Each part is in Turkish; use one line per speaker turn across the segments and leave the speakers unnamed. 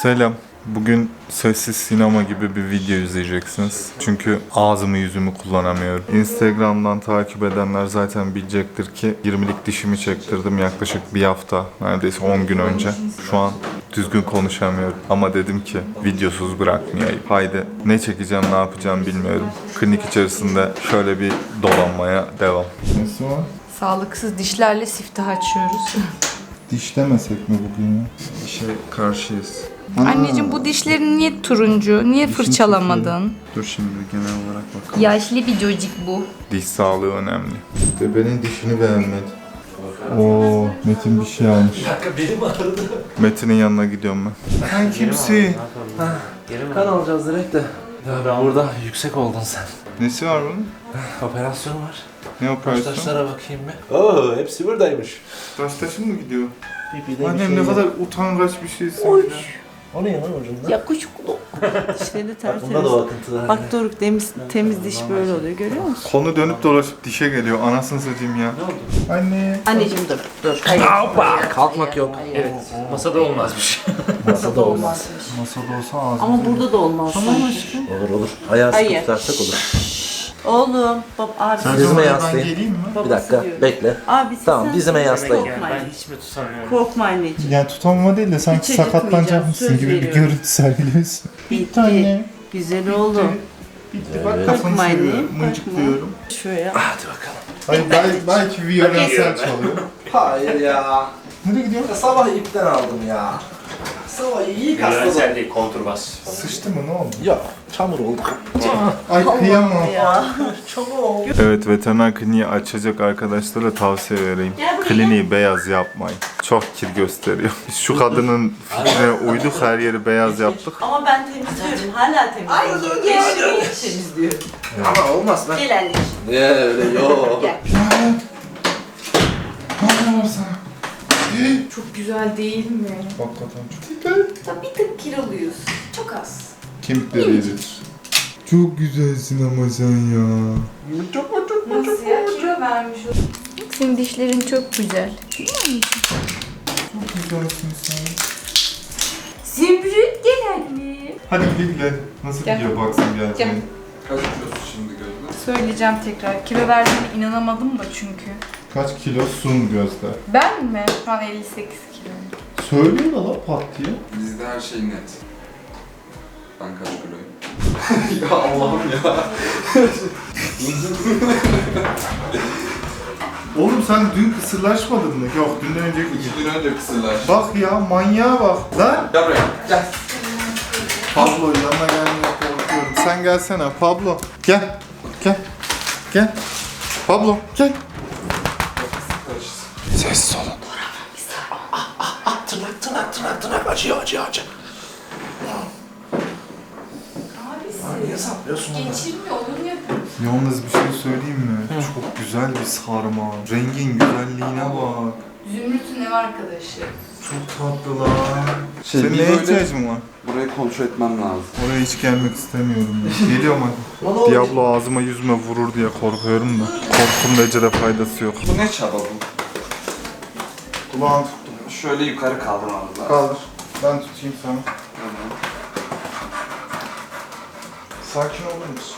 Selam. Bugün sessiz sinema gibi bir video izleyeceksiniz. Çünkü ağzımı yüzümü kullanamıyorum. Instagram'dan takip edenler zaten bilecektir ki 20'lik dişimi çektirdim yaklaşık bir hafta, neredeyse 10 gün önce. Şu an düzgün konuşamıyorum. Ama dedim ki videosuz bırakmayayım. Haydi ne çekeceğim, ne yapacağım bilmiyorum. Klinik içerisinde şöyle bir dolanmaya devam. Nesi var?
Sağlıksız dişlerle siftah açıyoruz.
Diş demesek mi bugün ya? İşe karşıyız.
Anneciğim bu dişlerin niye turuncu? Niye fırçalamadın?
Dur şimdi genel olarak bakalım.
Yaşlı bir çocuk bu.
Diş sağlığı önemli. Bebeğin dişini beğenmedi. Oo, Metin bir şey almış.
Bir dakika benim ağrıdı.
Metin'in yanına gidiyorum ben. Sen kimsin?
Kan alacağız direkt de. Ya burada yüksek oldun sen.
Nesi var bunun?
Operasyon var.
Ne operasyon?
Taşlara bakayım bir. Oo, hepsi buradaymış.
Taştaşın mı gidiyor?
Bir
Annem ne kadar utangaç bir şeysin. Ya.
O ne ya lan ucunda?
Yakışıklı. Dişleri
Bak
tertemiz.
bunda da o akıntılar.
Bak Doruk temiz diş böyle oluyor, görüyor musun?
Konu dönüp dolaşıp dişe geliyor. Anasını satayım ya.
Ne oldu?
Anne.
Anneciğim dur. Hayır.
Kalkmak yok. Evet. Masada olmazmış.
Masada olmaz.
Masada olsa ağzım.
Ama burada da olmaz. Tamam aşkım.
Olur. Ayağı sıkı
Hayır.
tutarsak olur.
Oğlum, abi.
Dizime
Ben
yaslayın.
geleyim mi?
Bir dakika bekle.
Abi
Tamam,
sen
dizime yaslayın.
Korkma.
hiç mi tutamıyorum?
Korkma anneciğim.
Yani tutamama değil de sanki
Hiç acıtmayacağım,
sakatlanacakmışsın
söz
gibi bir
veriyorum.
görüntü sergiliyorsun.
Bitti.
Anne.
Güzel oğlum.
Bitti. Bak kafanı
Korkma annem,
seviyorum.
korkma.
Mıncıklıyorum.
Şöyle.
Hadi bakalım.
Hayır belki violensel çalıyor.
Hayır ya.
Nereye gidiyorsun?
Sabah ipten aldım ya. Sabah iyi kasladım.
Violensel değil, kontrbas.
Sıçtı mı, ne oldu?
Yok, çamur oldu.
Ay kıyamam.
Ya.
Çamur oldu.
Evet, veteriner kliniği açacak arkadaşlara tavsiye vereyim.
Gel buraya.
Kliniği beyaz yapmayın. Çok kir gösteriyor. Biz şu kadının fikrine uyduk, her yeri beyaz yaptık.
Ama ben temizliyorum. Hala temizliyorum. Gel temizliyorum.
Ama olmaz lan.
Gel anneciğim.
Ne öyle yok.
Gel.
Ne var sana?
Çok güzel değil mi?
Hakikaten çok.
Tabii bir tık kiloluyuz. Çok az.
Kemikleri eritir. Çok güzelsin ama sen ya.
Nasıl ya? Kilo vermiş o. Senin dişlerin çok güzel.
Çok güzelsin sen.
Zümrüt gel anne.
Hadi gidelim. Nasıl
Gel.
gidiyor baksın
Gel.
geleceğin. Kaç kilosun şimdi Gözde?
Söyleyeceğim tekrar. Kilo verdiğime inanamadım da çünkü.
Kaç kilosun Gözde?
Ben mi? Şu an 58 kilo.
Söylüyor da la pat diye.
Bizde her şey net. Ben kaç kiloyum? Ya Allah'ım ya.
Oğlum sen dün kısırlaşmadın mı? Yok, dünden önceki gün.
2 gün önce kısırlar.
Bak ya, manyağa bak. Lan!
Gel buraya. Gel.
Pablo, yanına gelmeye korkuyorum. Sen gelsene Pablo. Gel. Gel. Gel. Pablo gel. Sessiz olun.
Tırnak acıyor.
Abisi.
Niye saplıyorsun onu?
Geçirme onu yapıyorsun.
Yalnız bir şey söyleyeyim mi? Çok güzel bir sarma. Rengin güzelliğine bak.
Zümrüt'ün ev arkadaşı.
Çok tatlı lan. Senin
bir
neye
böyle-
ihtiyacın var?
Burayı kontrol etmem lazım.
Oraya hiç gelmek istemiyorum ben. Geliyorum hadi. Diablo ağzıma yüzüme vurur diye korkuyorum da. Korkunun ecele faydası yok.
Bu ne çaba bu?
Kulağını
Şöyle yukarı kaldırmamız lazım.
kaldır. Ben tutayım sana.
Tamam.
Sakin olur musun?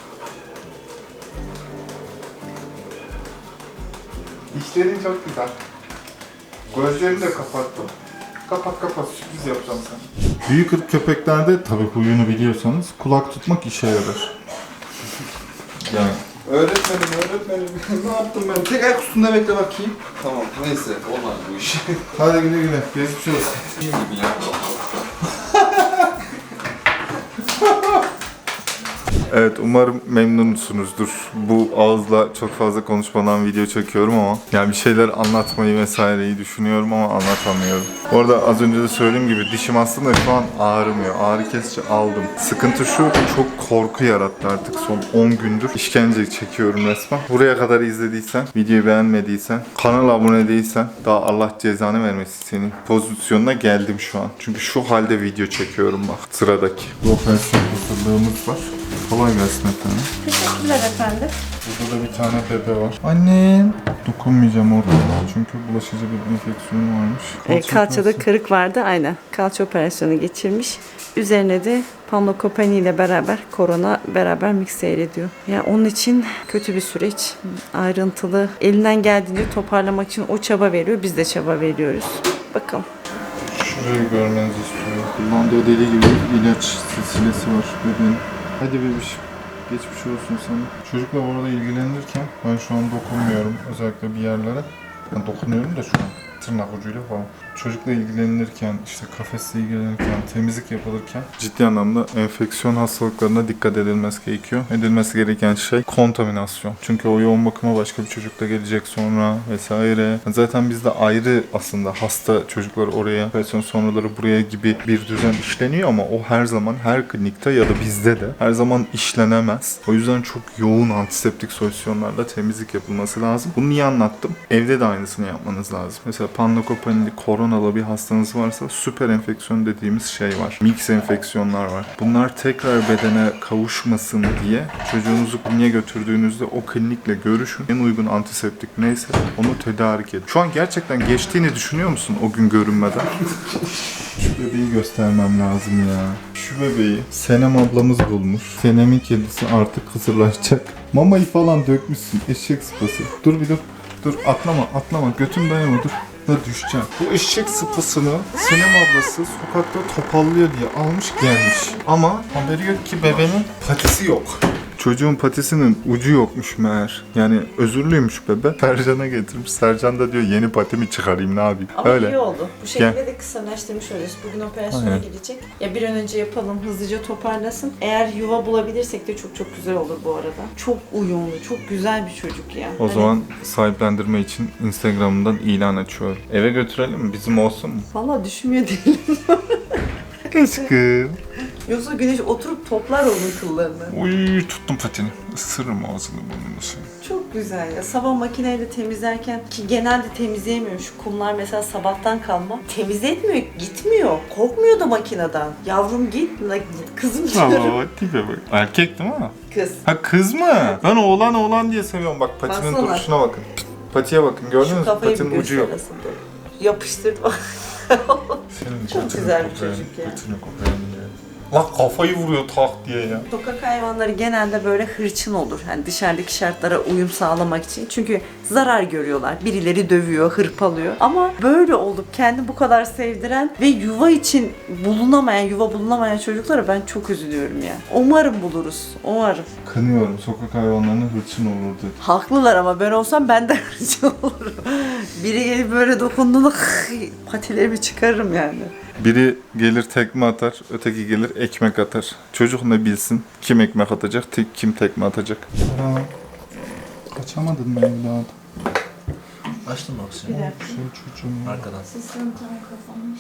Dişlerin çok güzel. Gözlerini de kapattım. Kapat sürpriz yapacağım sana. Büyük ırk köpeklerde tabii huyunu biliyorsanız kulak tutmak işe yarar. Yani
Öğretmenim. Ne yaptım ben? Tek ayak üstünde bekle bakayım. Tamam, neyse. Olmaz bu iş.
hadi güle güle. Geçmiş olsun.
Gibi ya.
Evet, umarım memnunsunuzdur. Bu ağızla çok fazla konuşmadan video çekiyorum ama yani bir şeyler anlatmayı vesaireyi düşünüyorum ama anlatamıyorum. Orada az önce de söylediğim gibi dişim aslında şu an ağrımıyor. Ağrı kesici aldım. Sıkıntı şu, çok korku yarattı artık son 10 gündür. İşkence çekiyorum resmen. Buraya kadar izlediysen, videoyu beğenmediysen, kanala abone değilsen daha Allah cezanı vermesin senin pozisyonuna geldim şu an. Çünkü şu halde video çekiyorum bak. Sıradaki. Bu operasyon hazırlığımız var. Kolay gelsin efendim.
Teşekkürler efendim.
Burada da bir tane bebe var. Annem. Dokunmayacağım orada çünkü bulaşıcı bir enfeksiyonu varmış.
Kalçada kırık vardı aynen. Kalça operasyonu geçirmiş. Üzerine de Panlokopeni ile beraber korona beraber mix seyrediyor. Yani onun için kötü bir süreç. Ayrıntılı. Elinden geldiğince toparlamak için o çaba veriyor. Biz de çaba veriyoruz. Bakalım.
Şurayı görmenizi istiyorum. Kullandığı deli gibi ilaç silsilesi var bebeğin. Hadi bebişim. Geçmiş olsun sana. Çocukla bu arada ilgilenirken ben şu an dokunmuyorum özellikle bir yerlere. Ben dokunuyorum da şu an tırnak ucuyla falan. Çocukla ilgilenirken, işte kafesle ilgilenirken, temizlik yapılırken ciddi anlamda enfeksiyon hastalıklarına dikkat edilmesi gerekiyor. Edilmesi gereken şey kontaminasyon. Çünkü o yoğun bakıma başka bir çocuk da gelecek sonra vesaire. Zaten bizde ayrı aslında hasta çocuklar oraya, operasyon sonraları buraya gibi bir düzen işleniyor ama o her zaman her klinikte ya da bizde de her zaman işlenemez. O yüzden çok yoğun antiseptik solüsyonlarla temizlik yapılması lazım. Bunu niye anlattım? Evde de aynısını yapmanız lazım. Mesela panlokopenili, koronalı bir hastanız varsa süper enfeksiyon dediğimiz şey var. Mix enfeksiyonlar var. Bunlar tekrar bedene kavuşmasın diye çocuğunuzu kliniğe götürdüğünüzde o klinikle görüşün. En uygun antiseptik neyse onu tedarik edin. Şu an gerçekten geçtiğini düşünüyor musun o gün görünmeden? Şu bebeği göstermem lazım ya. Şu bebeği Senem ablamız bulmuş. Senem'in kedisi artık kısırlaşacak. Mamayı falan dökmüşsün eşek sıpası. Dur bir dur. Dur atlama götüm dayanma dur. Da düşeceğim. Bu eşek sıpasını Senem ablası sokakta topallıyor diye almış gelmiş. Ama haberi yok ki bebenin patisi yok. Çocuğun patisinin ucu yokmuş meğer. Yani özürlüymüş bebe. Sercan'a getirmiş. Sercan da diyor yeni patimi çıkarayım ne yapayım.
Ama
Öyle.
iyi oldu. Bu şekilde de kısalaştırmış oluyoruz. Bugün operasyona
Aynen.
girecek. Ya bir an önce yapalım, hızlıca toparlasın. Eğer yuva bulabilirsek de çok çok güzel olur bu arada. Çok uyumlu, çok güzel bir çocuk ya.
O zaman sahiplendirme için Instagram'dan ilan açıyorum. Eve götürelim mi? Bizim olsun mu?
Valla düşünmüyor değilim.
Aşkım.
Yoksa Güneş oturup toplar onun kıllarını.
Uy tuttum patini. Isırırım ağzını burnunu senin.
Çok güzel ya. Sabah makineyle temizlerken ki genelde temizleyemiyor. Şu kumlar mesela sabahtan kalma. Temizletmiyor, gitmiyor. Korkmuyor da makineden. Yavrum git, kızım diyorum.
Aa, tipe bak. Erkek değil mi?
Kız.
Ha kız mı? Ben oğlan diye seviyorum. Bak patinin
Baksana.
duruşuna bakın. Patiye bakın gördünüz
Şu
mü?
kafayı bir
Patinin ucu yok.
göster aslında. Yapıştırdı.
Senin
Çok
patini
güzel bir
koparayım,
çocuk ya.
patini koparayım ya. Lan kafayı vuruyor tak diye ya.
Sokak hayvanları genelde böyle hırçın olur. Yani dışarıdaki şartlara uyum sağlamak için. Çünkü zarar görüyorlar. Birileri dövüyor, hırpalıyor. Ama böyle olup kendi bu kadar sevdiren ve yuva için yuva bulunamayan çocuklara ben çok üzülüyorum ya. Umarım buluruz. Umarım.
Kınıyorum sokak hayvanlarının hırçın olurdu.
Haklılar ama ben olsam ben de hırçın olurum. Biri gelip böyle dokunduğunda patilerimi çıkarırım yani.
Biri gelir tekme atar, öteki gelir ekmek atar. Çocuk ne bilsin kim ekmek atacak, kim tekme atacak. Kaçamadın mı evladım?
Açtın mı
Bir
oksijeni?
dakika.
Şey çocuğum.
Arkadan.
Sistem tam kapanmış.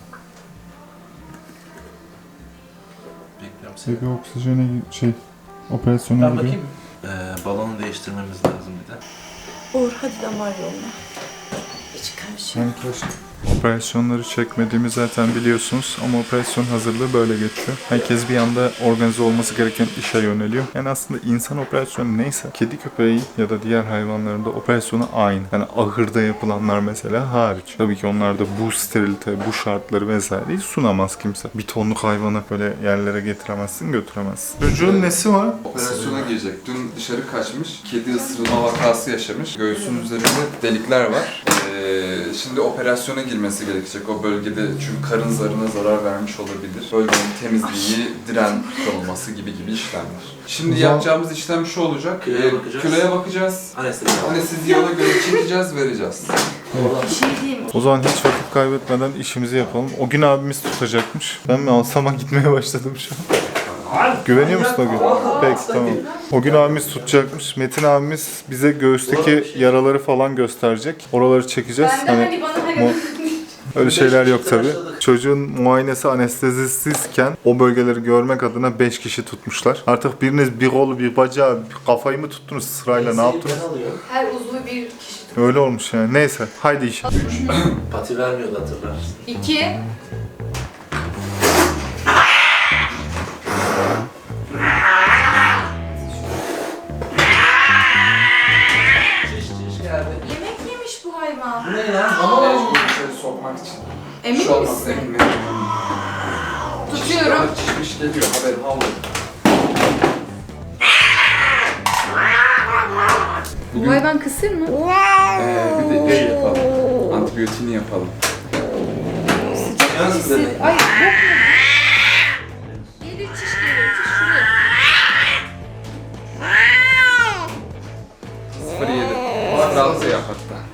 Bekliyorum seni.
Bebe oksijene operasyona
Ben
giriyor.
bakayım. Balonu değiştirmemiz lazım bir de.
Uğur hadi damar yoluna. Hiç karışıyor.
Ben kaçtım. Operasyonları çekmediğimi zaten biliyorsunuz ama operasyon hazırlığı böyle geçiyor. Herkes bir anda organize olması gereken işe yöneliyor. Yani aslında insan operasyonu neyse kedi köpeği ya da diğer hayvanların da operasyonu aynı. Yani ahırda yapılanlar mesela hariç. Tabii ki onlarda bu sterilite, bu şartları vesaireyi sunamaz kimse. Bir tonluk hayvanı böyle yerlere getiremezsin, götüremezsin. Çocuğun nesi var?
Operasyona girecek. Dün dışarı kaçmış. Kedi ısırılma vakası yaşamış. Göğsünün üzerinde delikler var. Şimdi operasyona girmesi gerekecek o bölgede çünkü karın zarına zarar vermiş olabilir. Bölgenin temizliği, diren konulması gibi işlemler. Şimdi yapacağımız işlem şu olacak.
Kiloya bakacağız.
Kiloya bakacağız. Anesteziyi ona göre çekeceğiz, vereceğiz.
Bir şey diyeyim.
O zaman hiç vakit kaybetmeden işimizi yapalım. O gün abimiz tutacakmış. Ben mi alsama gitmeye başladım şu an. Güveniyor musun o gün? Peki tamam. O gün abimiz tutacakmış. Metin abimiz bize göğüsteki yaraları falan gösterecek. Oraları çekeceğiz.
Ben de hani bana hani
Öyle şeyler yok tabi. Çocuğun muayenesi anestezisizken o bölgeleri görmek adına 5 kişi tutmuşlar. Artık biriniz bir kolu, bir bacağı, bir kafayı mı tuttunuz sırayla ne yaptınız?
her uzvu bir kişi.
Öyle olmuş yani. Neyse haydi iş.
Pati vermiyordu hatırlarsın.
2. Tutuyorum.
Çişmiş geliyor, haberin oldu.
Bu hayvan kısır mı?
Bir de yapalım. Antibiyotiğini yapalım.
Yalnız bir de
Ay yok mu? Gelir çiş geliyor. Çiş şuraya.
0.7. Rahatsız yap hatta.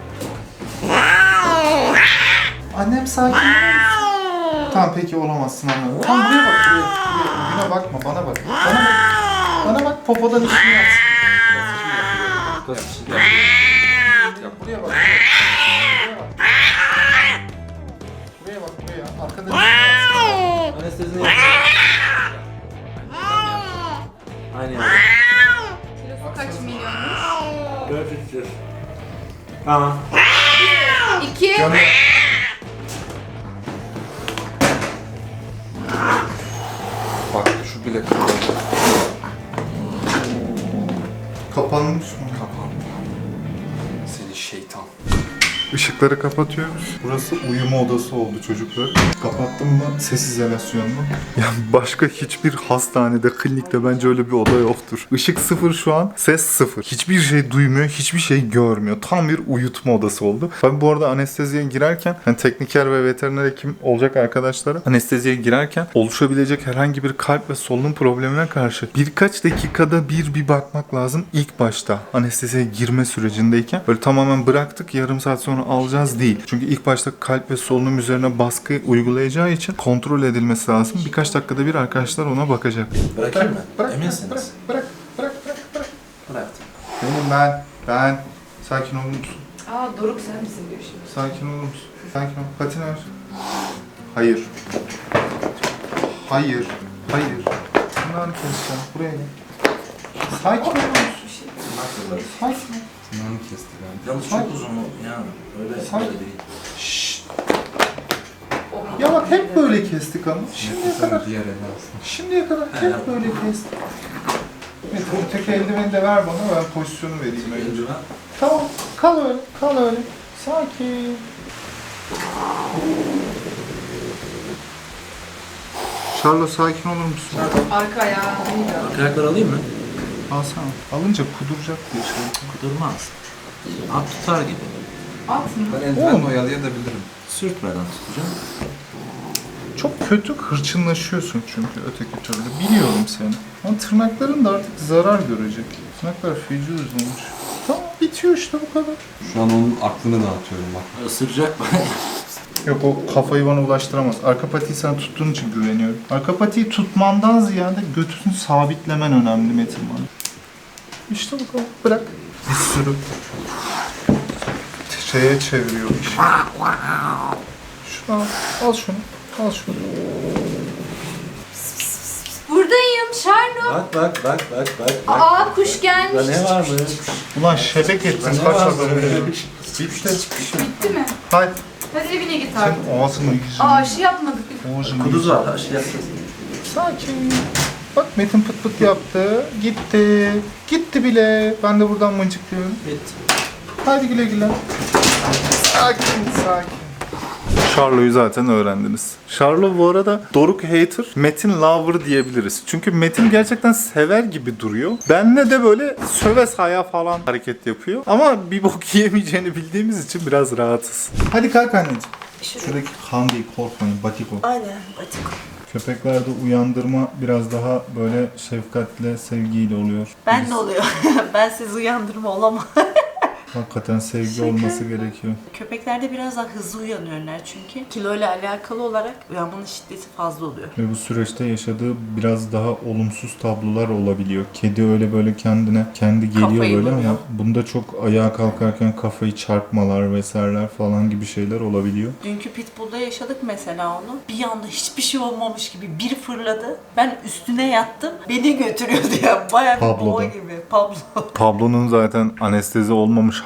Annem sakin. Tamam peki olamazsın anne. Tam buraya bak buraya. Buna bakma bana bak. Bana bak. Bana bak popodan işini yap.
Yap.
Buraya bak. Buraya bak buraya. Arkadan işini yap.
anestezini yap. Aynı yerde.
Kilosu kaç milyonmuş?
400. Tamam.
2.
Bak şu bile kapalı.
Kapanmış mı?
Kapandı. Seni şeytan.
Işıkları kapatıyoruz. Burası uyuma odası oldu çocuklar. Kapattım mı ses izolasyonlu. Yani başka hiçbir hastanede, klinikte bence öyle bir oda yoktur. Işık sıfır şu an, ses sıfır. Hiçbir şey duymuyor, hiçbir şey görmüyor. Tam bir uyutma odası oldu. Ben bu arada anesteziye girerken, hani tekniker ve veteriner hekim olacak arkadaşlara anesteziye girerken oluşabilecek herhangi bir kalp ve solunum problemine karşı birkaç dakikada bir bakmak lazım ilk başta. Anesteziye girme sürecindeyken böyle tamamen bıraktık, yarım saat sonra alacağız değil. Çünkü ilk başta kalp ve solunum üzerine baskı uygulayacağı için kontrol edilmesi lazım. Birkaç dakikada bir arkadaşlar ona bakacak.
Bırakayım mı?
Bırak,
Eminsiniz?
Bırak.
Bıraktım.
Benim ben. Sakin olur musun?
Aa Doruk sen misin diyor şimdi.
Sakin olur musun? Sakin ol. Patini ver. Hayır. Hayır. Tırnağını keseceğim. Buraya gel. Sakin olur musun? Sakin ol.
Tırnağını kesti galiba.
Yalnız çok uzun yani. Öyle
Sanki-
değil.
Şşşt. Ya bak hep böyle kestik ama.
Diğer elle alsın.
Şimdiye kadar hep böyle kestik. Evet, bu tek eldiveni de ver bana, ben pozisyonu vereyim önce.
Eldiven.
Tamam, kal öyle. Sakin. Charlotte sakin olur musun?
Arka ayağı.
Ayakları alayım mı?
Alsana. Alınca kuduracak diye şey.
Kudurmaz. At tutar gibi.
At mı?
Ben eldivenle oyalayabilirim.
Sürtmeden tutacağım.
Çok kötü hırçınlaşıyorsun çünkü öteki türlü. Biliyorum seni. Ama tırnakların da artık zarar görecek. Tırnaklar feci uzunmuş. Tamam, bitiyor işte bu kadar.
Şu an onun aklını dağıtıyorum bak.
Isıracak mı?
Yok, o kafayı bana ulaştıramaz. Arka patiyi sen tuttuğun için güveniyorum. Arka patiyi tutmandan ziyade götünü sabitlemen önemli Metin bana. İşte bu kadar. Bırak. Bir sürü şeye çeviriyor işi. Şunu al şunu. Al şunu.
Buradayım Charlotte.
Bak.
Aa kuş gelmiş.
Burada ne var mı?
Ulan şebek ettin
Ne
kaç
var
adamı.
böyle?
Bitti.
Bitti mi?
Hadi.
Hadi evine git artık.
Sen ağzını yüzünü.
Aa aşı yapmadık.
Ağzını
Kuduz var. Aşı yapacağız.
Sakin. Bak Metin pıt pıt yaptı. Gitti. Gitti bile. Ben de buradan mıncıklıyorum.
Bitti.
Hadi güle güle. Sakin. Charlo'yu zaten öğrendiniz. Charlo bu arada Doruk hater, Metin lover diyebiliriz. Çünkü Metin gerçekten sever gibi duruyor. Benle de böyle söve saya falan hareket yapıyor. Ama bir bok yiyemeyeceğini bildiğimiz için biraz rahatız. Hadi kalk anneciğim. Şuradaki kan değil, korkmayın, batiko.
Aynen batiko.
Köpeklerde uyandırma biraz daha böyle şefkatle, sevgiyle oluyor.
Ben de oluyor. Ben sizi uyandırma olamam.
Hakikaten sevgi olması gerekiyor.
Köpeklerde biraz daha hızlı uyanıyorlar çünkü. Kiloyla alakalı olarak uyanmanın şiddeti fazla oluyor.
Ve bu süreçte yaşadığı biraz daha olumsuz tablolar olabiliyor. Kedi öyle böyle kendi geliyor
Kafayı
böyle
vuruyor.
ama bunda çok ayağa kalkarken kafayı çarpmalar vesaireler falan gibi şeyler olabiliyor.
Dünkü Pitbull'da yaşadık mesela onu. Bir anda hiçbir şey olmamış gibi bir fırladı. Ben üstüne yattım. Beni götürüyordu ya. Bayağı bir
Pablo'da.
boğa gibi. Pablo.
Pablo'nun zaten anestezi olmamış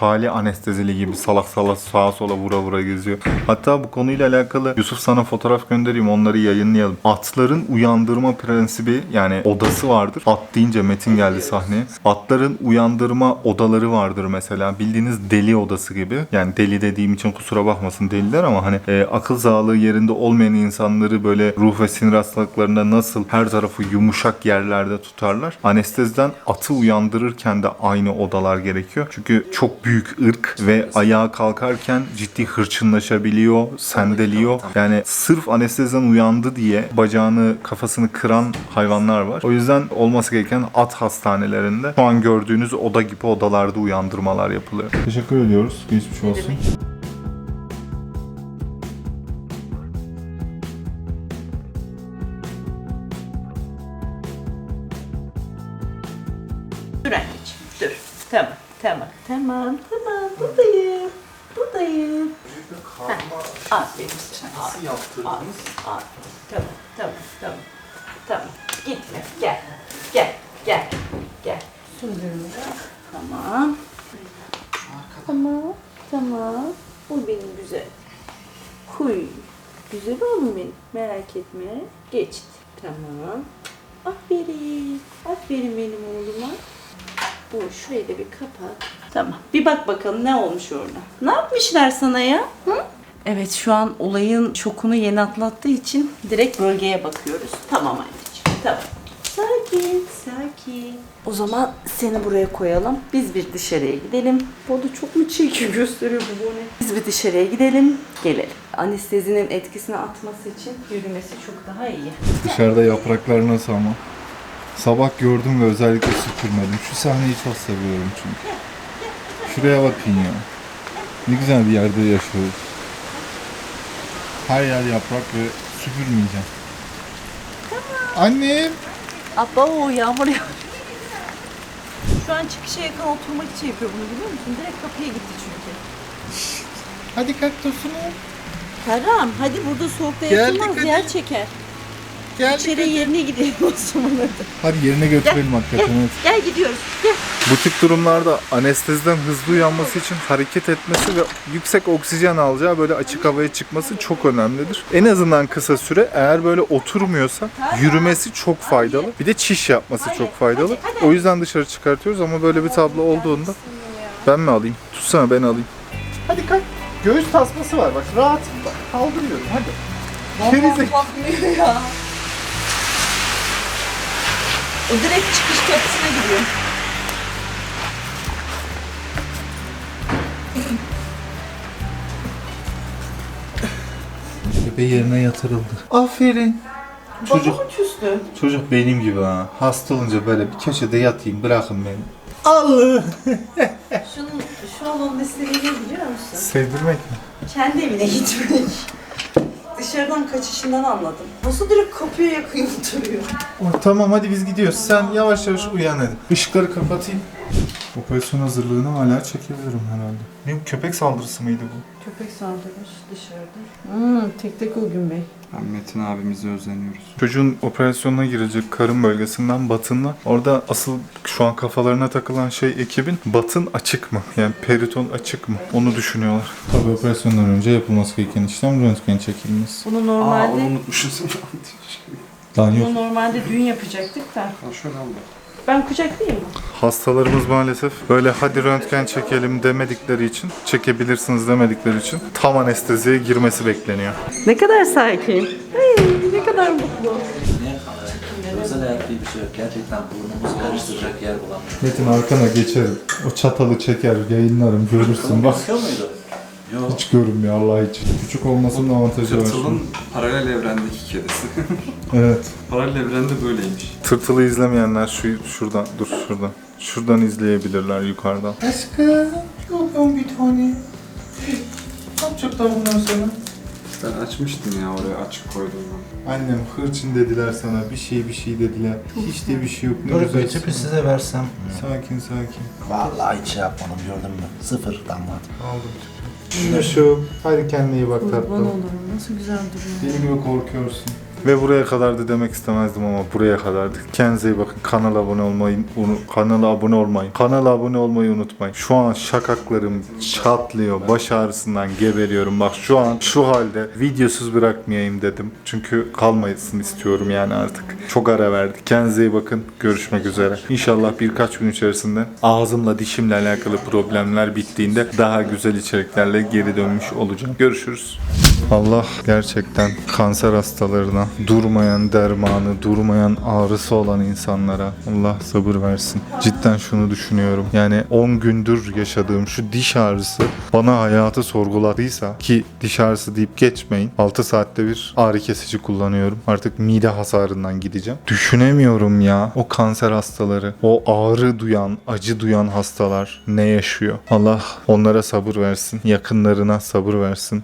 hali anestezili gibi salak salak sağa sola vura vura geziyor. Hatta bu konuyla alakalı Yusuf sana fotoğraf göndereyim, onları yayınlayalım. Atların uyandırma prensibi, yani odası vardır. At deyince Metin geldi sahneye. Atların uyandırma odaları vardır mesela. Bildiğiniz deli odası gibi. Yani deli dediğim için kusura bakmasın deliler ama hani akıl sağlığı yerinde olmayan insanları böyle ruh ve sinir hastalıklarında nasıl her tarafı yumuşak yerlerde tutarlar. Anesteziden atı uyandırırken de aynı odalar gerekiyor. Çünkü çok büyük ırk ve ayağa kalkarken ciddi hırçınlaşabiliyor, sendeliyor. Yani sırf anesteziden uyandı diye bacağını, kafasını kıran hayvanlar var. O yüzden olması gereken at hastanelerinde şu an gördüğünüz oda gibi odalarda uyandırmalar yapılıyor. Teşekkür ediyoruz. Geçmiş olsun.
Dur anneciğim, dur. Tamam. Buradayım. Aferin sana.
Nasıl yaptırdınız?
Tamam. Gitme. Gel. Sündürme. Tamam. Bu benim güzel. Güzel oğlum benim. Merak etme. Geçti. Tamam. Aferin benim oğluma. Bu şurayı da bir kapat. Tamam. Bir bak bakalım ne olmuş orada. Ne yapmışlar sana ya? Hı? Evet, şu an olayın şokunu yeni atlattığı için direkt bölgeye bakıyoruz. Tamam anneciğim. Tamam. Sakin. O zaman seni buraya koyalım. Biz bir dışarıya gidelim. Bu arada çok mu çirkin gösteriyor bu ne? Biz bir dışarıya gidelim, gelelim. Anestezinin etkisini atması için yürümesi çok daha iyi.
Dışarıda yapraklar nasıl ama? Sabah gördüm ve özellikle süpürmedim. Şu sahneyi çok seviyorum çünkü. Şuraya bakın ya. Ne güzel bir yerde yaşıyoruz. Her yer yaprak ve süpürmeyeceğim. Annem!
Abba o yağmur ya. Şu an çıkışa yakın oturmak için yapıyor bunu, biliyor musun? Direkt kapıya gitti çünkü.
Hadi kalk Tosunum.
Karam, hadi burada soğukta
Geldik,
yatılmaz,
hadi.
yer çeker. İçeri yerine gidelim o zaman hadi.
Hadi yerine götürelim hakikaten. Evet.
Gel gidiyoruz. Gel.
Bu tip durumlarda anesteziden hızlı uyanması için hareket etmesi ve yüksek oksijen alacağı böyle açık havaya çıkması çok önemlidir. En azından kısa süre, eğer böyle oturmuyorsa yürümesi çok faydalı. Bir de çiş yapması çok faydalı. O yüzden dışarı çıkartıyoruz ama böyle bir tablo olduğunda ben mi alayım? Tutsana, ben alayım. Hadi kalk. Göğüs tasması var bak, rahat bak. Kaldırıyorum hadi.
Bakmıyor ya. O direkt çıkış kapısına gidiyor.
Bebe yerine yatırıldı. Aferin.
Çocuk küstü.
Çocuk benim gibi ha. Hasta olunca böyle bir köşede yatayım, bırakın beni. Allah!
Şu an onun istediğini biliyor musun?
Sevdirmek mi?
Kendi evine gitmek. Dışarıdan kaçışından anladım. Nasıl direkt kapıya yakın oturuyor?
Tamam hadi biz gidiyoruz. Sen yavaş yavaş uyan hadi. Işıkları kapatayım. Operasyon hazırlığını hala çekebilirim herhalde. Ne, köpek saldırısı mıydı bu?
Köpek saldırmış dışarıda. Tek o gün bey.
Metin abimize özleniyoruz.
Çocuğun operasyonuna girecek karın bölgesinden batınla. Orada asıl şu an kafalarına takılan şey ekibin batın açık mı? Yani periton açık mı? Onu düşünüyorlar. Tabii operasyondan önce yapılması gereken işlem röntgen çekilmesi.
Bunu normalde
unutmuşuz.
Daha yok.
bunu normalde dün yapacaktık da.
Şöyle al.
Ben kucaklayayım mı?
Hastalarımız maalesef böyle hadi röntgen çekelim demedikleri için, çekebilirsiniz demedikleri için tam anesteziye girmesi bekleniyor.
Ne kadar sakin. Ne kadar mutlu.
Özel hayat diye bir şey yok. Gerçekten burnumuzu karıştıracak yer bulamıyorum.
Metin arkana geçerim. O çatalı çeker, yayınlarım, görürsün bak.
Bakıyor muydu? Yok.
Hiç görünmüyor Allah için. Küçük olmasının avantajı var.
Tırtılın paralel evrendeki kedisi.
Evet.
Paralel evrende böyleymiş.
Tırtılı izlemeyenler şuradan, dur şuradan. Şuradan izleyebilirler yukarıdan. Aşkım, yok bir tane. Ne yapacaklar bundan sonra?
Ben açmıştım ya, oraya açık koydum ben.
Annem hırçın dediler sana, bir şey dediler. Hiç de bir şey yok. Ne güzel.
Götürüp size versem.
Sakin.
Vallahi hiç şey yapmadım, gördün mü? Sıfır damla.
Aldım. Şu, hadi kendine iyi bak tatlım.
olurum. Nasıl güzel duruyor.
Deli gibi korkuyorsun. Ve buraya kadardı demek istemezdim ama buraya kadardı. Kendinize iyi bakın. Kanala abone olmayı unutmayın. Şu an şakaklarım çatlıyor. Baş ağrısından geberiyorum. Bak şu an şu halde videosuz bırakmayayım dedim. Çünkü kalmayasın istiyorum yani artık. Çok ara verdik. Kendinize iyi bakın. Görüşmek üzere. İnşallah birkaç gün içerisinde ağzımla dişimle alakalı problemler bittiğinde daha güzel içeriklerle geri dönmüş olacağım. Görüşürüz. Allah gerçekten kanser hastalarına, durmayan dermanı, durmayan ağrısı olan insanlara Allah sabır versin. Cidden şunu düşünüyorum. Yani 10 gündür yaşadığım şu diş ağrısı bana hayatı sorguladıysa, ki diş ağrısı deyip geçmeyin. 6 saatte bir ağrı kesici kullanıyorum. Artık mide hasarından gideceğim. Düşünemiyorum ya. O kanser hastaları, o ağrı duyan, acı duyan hastalar ne yaşıyor? Allah onlara sabır versin. Yakınlarına sabır versin.